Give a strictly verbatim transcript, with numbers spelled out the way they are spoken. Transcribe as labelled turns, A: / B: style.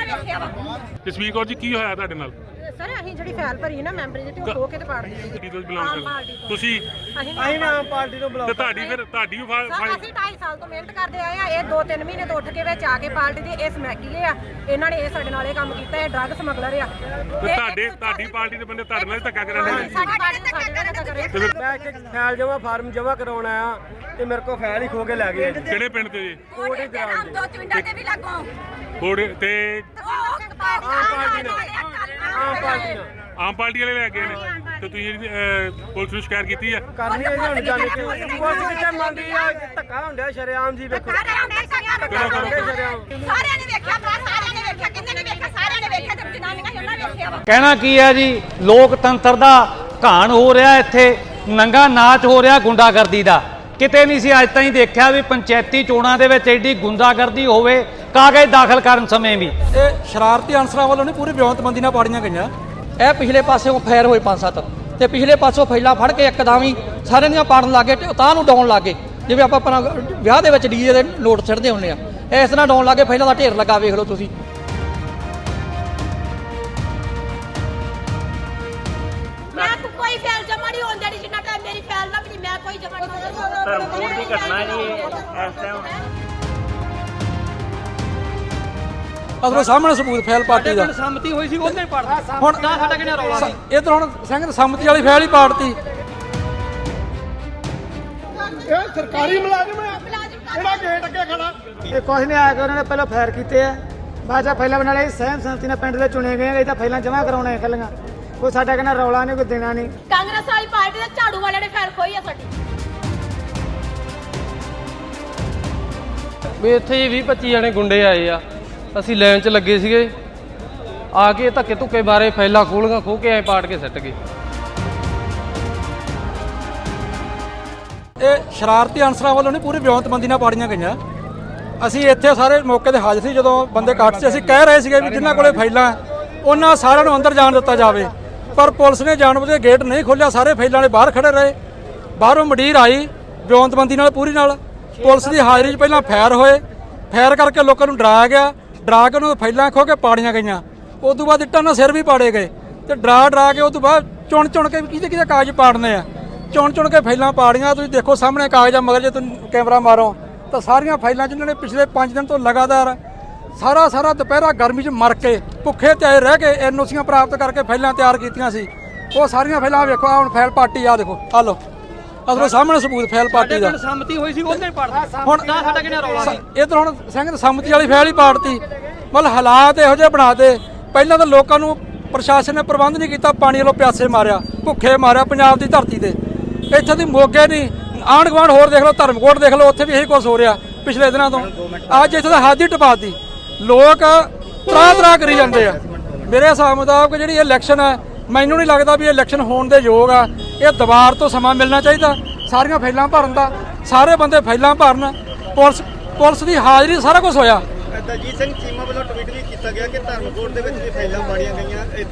A: ਵੇਖਿਆ ਵਾ।
B: ਜਸਵੀਰ ਕੌਰ ਜੀ ਕੀ ਹੋਇਆ ਤੁਹਾਡੇ ਨਾਲ?
A: ਸਰ ਅਸੀਂ ਜਿਹੜੀ ਫਾਈਲ ਭਰੀ ਨਾ ਮੈਂਬਰੀ ਦੀ ਤੇ ਉਹ ਖੋ ਕੇ ਤੇ ਪਾੜ ਦਿੱਤੀ ਸੀ।
B: ਤੁਸੀਂ ਬਿਲੋਂਗ ਕਰਦੇ ਤੁਸੀਂ
A: ਅਸੀਂ
C: ਅਸੀਂ ਆਮ ਪਾਰਟੀ ਤੋਂ ਬੁਲਾਓ
B: ਤੇ ਤੁਹਾਡੀ ਫਿਰ ਤੁਹਾਡੀ ਵੀ ਫਾ-
A: ਸਰ
B: ਫਾ-
A: ਅਸੀਂ ਢਾਈ ਸਾਲ ਤੋਂ ਮਿਹਨਤ ਕਰਦੇ ਆਏ ਆ। ਇਹ ਦੋ ਤਿੰਨ ਮਹੀਨੇ ਤੋਂ ਉੱਠ ਕੇ ਵਿੱਚ ਆ ਕੇ ਪਾਰਟੀ ਦੇ ਇਹ ਸਮੈਕੀਲੇ ਆ। ਇਹਨਾਂ ਨੇ ਇਹ ਸਾਡੇ ਨਾਲ ਇਹ ਕੰਮ ਕੀਤਾ। ਇਹ ਡਰੱਗ ਸਮਗਲਰ ਆ।
B: ਤੇ ਤੁਹਾਡੇ ਤੁਹਾਡੀ ਪਾਰਟੀ ਦੇ ਬੰਦੇ ਤੁਹਾਡੇ ਨਾਲ ਹੀ ਧੱਕਾ ਕਰਨ ਦੇ ਨੇ।
A: ਸਾਡੀ ਪਾਰਟੀ ਨੇ ਸਾਡੇ ਨਾਲ ਧੱਕਾ ਕਰਿਆ।
B: ਤੇ ਫਿਰ
C: ਮੈਂ ਇੱਕ ਫਾਈਲ ਜਮਾ ਫਾਰਮ ਜਮਾ ਕਰਾਉਣਾ ਆ ਤੇ ਮੇਰੇ ਕੋਲ ਫਾਈਲ ਹੀ ਖੋ ਕੇ ਲੈ ਗਏ।
B: ਕਿਹੜੇ ਪਿੰਡ ਤੇ ਜੀ?
A: ਕੋੜੇ ਦੇ ਨਾਮ ਦੋ ਚਵਿੰਡਾ ਦੇ ਵੀ ਲੱਗੋ।
B: ਕੋੜੇ ਤੇ
A: ਆਮ ਪਾਰਟੀ
C: ਨਾਲ ਆਮ ਪਾਰਟੀ ਨਾਲ
B: ਆਮ ਪਾਰਟੀ ਵਾਲੇ ਲੈ ਗਏ ਨੇ ਤੇ ਤੁਸੀਂ ਅਹ, ਪੁਲਿਸ ਨੂੰ ਸ਼ਿਕਾਇਤ ਕੀਤੀ ਹੈ?
C: ਕਰਨੀ ਹੈ ਜੀ ਹੁਣ ਜਾਣੇ ਕਿ ਪੁਲਿਸ ਕਿੱਥੇ ਮੰਨਦੀ ਆ ਧੱਕਾ ਹੁੰਦਾ ਸ਼ਰੇਆਮ ਜੀ ਵੇਖੋ ਧੱਕਾ ਹੁੰਦੇ ਸ਼ਰੇਆਮ।
A: ਸਾਰਿਆਂ ਨੇ ਵੇਖਿਆ ਭਰਾ, ਸਾਰਿਆਂ ਨੇ ਵੇਖਿਆ। ਕਿੰਨੇ ਨੇ ਵੇਖਿਆ? ਸਾਰਿਆਂ ਨੇ ਵੇਖਿਆ ਤੇ ਜਨਾਨੀਆਂ ਹੀ ਉਹਨਾਂ ਵੇਖਿਆ ਵਾ।
D: ਕਹਿਣਾ ਕੀ ਹੈ ਜੀ, ਲੋਕਤੰਤਰ ਦਾ ਘਾਣ ਹੋ ਰਿਹਾ ਇੱਥੇ, ਨੰਗਾ ਨਾਚ ਹੋ ਰਿਹਾ ਗੁੰਡਾਗਰਦੀ ਦਾ। ਕਿਤੇ ਨਹੀਂ ਸੀ ਅੱਜ ਤਾਈਂ ਦੇਖਿਆ ਵੀ ਪੰਚਾਇਤੀ ਚੋਣਾਂ ਦੇ ਵਿੱਚ ਐਡੀ ਗੁੰਡਾਗਰਦੀ ਹੋਵੇ ਕਾਗਜ਼ ਦਾਖਲ ਕਰਨ ਸਮੇਂ ਵੀ।
E: ਇਹ ਸ਼ਰਾਰਤੀ ਅਨਸਰਾਂ ਵੱਲੋਂ ਨਹੀਂ ਪੂਰੀ ਵਿਉਂਤਬੰਦੀ ਨਾਲ ਪਾੜੀਆਂ ਗਈਆਂ। ਇਹ ਪਿਛਲੇ ਪਾਸਿਓਂ ਫਾਇਰ ਹੋਏ ਪੰਜ ਸੱਤ ਤੇ ਪਿਛਲੇ ਪਾਸੋਂ ਫੈਲਾ ਫੜ ਕੇ ਇੱਕਦਮ ਹੀ ਸਾਰਿਆਂ ਦੀਆਂ ਪਾੜਨ ਲੱਗੇ ਤੇ ਉਤਾਂ ਨੂੰ ਡਾਉਣ ਲੱਗੇ। ਜਿਵੇਂ ਆਪਾਂ ਆਪਣਾ ਵਿਆਹ ਦੇ ਵਿੱਚ ਡੀਜੇ ਦੇ ਨੋਟ ਛੱਡਦੇ ਹੁੰਦੇ ਆ, ਇਸ ਤਰ੍ਹਾਂ ਡਾਉਣ ਲੱਗੇ। ਫੈਲਾਂ ਦਾ ਢੇਰ ਲੱਗਾ, ਵੇਖ ਲਓ ਤੁਸੀਂ।
A: ਮੈਂ ਤਾਂ ਕੋਈ ਫੈਲ ਜਮਾ ਨਹੀਂ ਹੋਣ ਦੇਣੀ ਜਿੰਨਾ ਟਾਈਮ ਮੇਰੀ ਫੈਲ ਨਾ ਬਣੀ। ਮੈਂ ਕੋਈ ਜਮਾ ਨਹੀਂ ਹੋਣ
D: ਧਰਮਕੋਟ ਦੀ ਘਟਨਾ ਜੀ ਇਸ ਟਾਈਮ।
E: ਅਗਰ ਸਾਹਮਣੇ ਸਬੂਤ ਫੈਲ ਪਾਰਟੀ ਦਾ
D: ਸੰਮਤੀ ਹੋਈ ਸੀ ਉਹਨੇ ਪੜਦਾ।
E: ਹੁਣ
D: ਸਾਡਾ ਕਿਹੜਾ ਰੌਲਾ ਸੀ?
E: ਇਧਰ ਹੁਣ ਸਿੰਘ ਸੰਮਤੀ ਵਾਲੀ ਫੈਲ ਹੀ ਪਾੜਤੀ।
C: ਇਹ ਸਰਕਾਰੀ ਮੁਲਾਜ਼ਮ ਹੈ ਜਿਹੜਾ ਗੇਟ ਅੱਗੇ ਖੜਾ। ਇਹ ਕੁਝ ਨਹੀਂ ਆਇਆ ਕਿ ਉਹਨਾਂ ਨੇ ਪਹਿਲਾਂ ਫਾਇਰ ਕੀਤੇ ਆ, ਬਾਅਦ ਚ ਫਾਈਲਾਂ ਬਣਾ ਲਈ। ਸਹਿਮ ਸੰਮਤੀ ਨਾਲ ਪਿੰਡ ਦੇ ਚੁਣੇ ਗਏ। ਇਹ ਤਾਂ ਫਾਈਲਾਂ ਜਮ੍ਹਾਂ ਕਰਾਉਣੇ ਕੱਲੀਆਂ। ਕੋਈ ਸਾਡਾ ਕਹਿੰਦਾ ਰੌਲਾ ਨਹੀਂ, ਕੋਈ ਦੇਣਾ ਨਹੀਂ।
A: ਕਾਂਗਰਸ ਵਾਲੀ ਪਾਰਟੀ ਦੇ ਝਾੜੂ ਵਾਲਿਆਂ ਨੇ ਫੈਲ ਖੋਈ ਆ ਸਾਡੀ।
F: ਵੀ ਇੱਥੇ ਵੀਹ ਪੱਚੀ ਜਣੇ ਗੁੰਡੇ ਆਏ ਆ। ਅਸੀਂ ਲਾਈਨ 'ਚ ਲੱਗੇ ਸੀਗੇ, ਆ ਕੇ ਧੱਕੇ ਧੁੱਕੇ ਮਾਰੇ, ਫੈਲਾ ਖੋਲ੍ਹੀਆਂ ਖੋਹ ਕੇ ਐ ਪਾੜ ਕੇ ਸਿੱਟ ਗਏ।
E: ਇਹ ਸ਼ਰਾਰਤੀ ਅਨਸਰਾਂ ਵੱਲੋਂ ਨਹੀਂ ਪੂਰੀ ਵਿਉਂਤਬੰਦੀ ਨਾਲ ਪਾੜੀਆਂ ਗਈਆਂ। ਅਸੀਂ ਇੱਥੇ ਸਾਰੇ ਮੌਕੇ ਤੇ ਹਾਜ਼ਰ ਸੀ ਜਦੋਂ ਬੰਦੇ ਕੱਟ ਸੀ। ਅਸੀਂ ਕਹਿ ਰਹੇ ਸੀਗੇ ਵੀ ਜਿਨ੍ਹਾਂ ਕੋਲੇ ਫਾਈਲਾਂ ਉਹਨਾਂ ਸਾਰਿਆਂ ਨੂੰ ਅੰਦਰ ਜਾਣ ਦਿੱਤਾ ਜਾਵੇ, ਪਰ ਪੁਲਿਸ ਨੇ ਜਾਣਬੁੱਝ ਕੇ ਗੇਟ ਨਹੀਂ ਖੋਲ੍ਹਿਆ। ਸਾਰੇ ਫਾਈਲਾਂ ਵਾਲੇ ਬਾਹਰ ਖੜੇ ਰਹੇ। ਬਾਹਰੋਂ ਮੰਡੀਰ ਆਈ ਵਿਉਂਤਬੰਦੀ ਨਾਲ ਪੂਰੀ ਨਾਲ। ਪੁਲਿਸ ਦੀ ਹਾਜ਼ਰੀ 'ਚ ਪਹਿਲਾਂ ਫਾਇਰ ਹੋਏ, ਫਾਇਰ ਕਰਕੇ ਲੋਕਾਂ ਨੂੰ ਡਰਾਇਆ ਗਿਆ। ਡਰਾ ਕੇ ਉਹਨੂੰ ਫਾਈਲਾਂ ਖੋ ਕੇ ਪਾੜੀਆਂ ਗਈਆਂ। ਉਸ ਤੋਂ ਬਾਅਦ ਇੱਟਾਂ ਨਾਲ ਸਿਰ ਵੀ ਪਾੜੇ ਗਏ ਤੇ ਡਰਾ ਡਰਾ ਕੇ ਉਸ ਤੋਂ ਬਾਅਦ ਚੁਣ ਚੁਣ ਕੇ ਕਿਹਦੇ ਕਿਹਦੇ ਕਾਗਜ਼ ਪਾੜਨੇ ਆ, ਚੁਣ ਚੁਣ ਕੇ ਫਾਈਲਾਂ ਪਾੜੀਆਂ। ਤੁਸੀਂ ਦੇਖੋ ਸਾਹਮਣੇ ਕਾਗਜ਼ਾਂ ਮਗਰ ਜੇ ਤੁਸੀਂ ਕੈਮਰਾ ਮਾਰੋ ਤਾਂ ਸਾਰੀਆਂ ਫਾਈਲਾਂ ਜਿਨ੍ਹਾਂ ਨੇ ਪਿਛਲੇ ਪੰਜ ਦਿਨ ਤੋਂ ਲਗਾਤਾਰ ਸਾਰਾ ਸਾਰਾ ਦੁਪਹਿਰਾ ਗਰਮੀ 'ਚ ਮਰ ਕੇ ਭੁੱਖੇ ਤੇ ਰਹਿ ਕੇ ਐਨਓਸੀਆਂ ਪ੍ਰਾਪਤ ਕਰਕੇ ਫਾਈਲਾਂ ਤਿਆਰ ਕੀਤੀਆਂ ਸੀ। ਉਹ ਸਾਰੀਆਂ ਫਾਈਲਾਂ ਵੇਖੋ, ਆ ਹੁਣ ਫਾਈਲ ਪਾਰਟੀ ਆ ਦੇਖੋ, ਆ ਲਓ ਅਸਲੋਂ ਸਾਹਮਣੇ ਸਬੂਤ ਫਾਈਲ ਪਾਰਟੀ ਦਾ।
D: ਸੰਮਤੀ ਹੋਈ ਸੀ ਉਹਨੇ ਪੜਦਾ।
E: ਹੁਣ
D: ਸਾਡਾ ਕਿਹੜਾ ਰੌਲਾ ਸੀ?
E: ਇਧਰ ਹੁਣ ਸਿੰਘ ਸੰਮਤੀ ਵਾਲੀ ਫਾਈਲ ਹੀ ਪਾੜਤੀ। ਮਤਲਬ ਹਾਲਾਤ ਇਹੋ ਜਿਹੇ ਬਣਾਤੇ। ਪਹਿਲਾਂ ਤਾਂ ਲੋਕਾਂ ਨੂੰ ਪ੍ਰਸ਼ਾਸਨ ਨੇ ਪ੍ਰਬੰਧ ਨਹੀਂ ਕੀਤਾ, ਪਾਣੀ ਵੱਲੋਂ ਪਿਆਸੇ ਮਾਰਿਆ, ਭੁੱਖੇ ਮਾਰਿਆ ਪੰਜਾਬ ਦੀ ਧਰਤੀ ਤੇ। ਇੱਥੇ ਦੀ ਮੋਗੇ ਨਹੀਂ, ਆਂਢ ਗੁਆਂਢ ਹੋਰ ਦੇਖ ਲਓ, ਧਰਮਕੋਟ ਦੇਖ ਲਓ, ਉੱਥੇ ਵੀ ਇਹੀ ਕੁਛ ਹੋ ਰਿਹਾ ਪਿਛਲੇ ਦਿਨਾਂ ਤੋਂ। ਅੱਜ ਇੱਥੇ ਤਾਂ ਹੱਦ ਹੀ ਟਪਾਤੀ। ਲੋਕ ਤਰਾ ਤਰਾ ਕਰੀ ਜਾਂਦੇ ਆ। ਮੇਰੇ ਹਿਸਾਬ ਮੁਤਾਬਕ ਜਿਹੜੀ ਇਲੈਕਸ਼ਨ ਹੈ, ਮੈਨੂੰ ਨਹੀਂ ਲੱਗਦਾ ਵੀ ਇਹ ਇਲੈਕਸ਼ਨ ਹੋਣ ਦੇ ਯੋਗ ਆ। ਇਹ ਦੁਬਾਰ ਤੋਂ ਸਮਾਂ ਮਿਲਣਾ ਚਾਹੀਦਾ ਸਾਰੀਆਂ ਫਾਈਲਾਂ ਭਰਨ ਦਾ। ਸਾਰੇ ਬੰਦੇ ਫਾਈਲਾਂ ਭਰਨ। ਪੁਲਿਸ ਪੁਲਿਸ ਦੀ ਹਾਜ਼ਰੀ ਸਾਰਾ ਕੁਝ ਹੋਇਆ।
G: ਦਲਜੀਤ ਸਿੰਘ ਚੀਮਾ ਵੱਲੋਂ ਟਵੀਟ ਵੀ ਕੀਤਾ ਗਿਆ ਕਿ ਧਰਮਕੋਟ ਦੇ ਵਿੱਚ ਵੀ ਫਾਈਲਾਂ ਪਾੜੀਆਂ ਗਈਆਂ।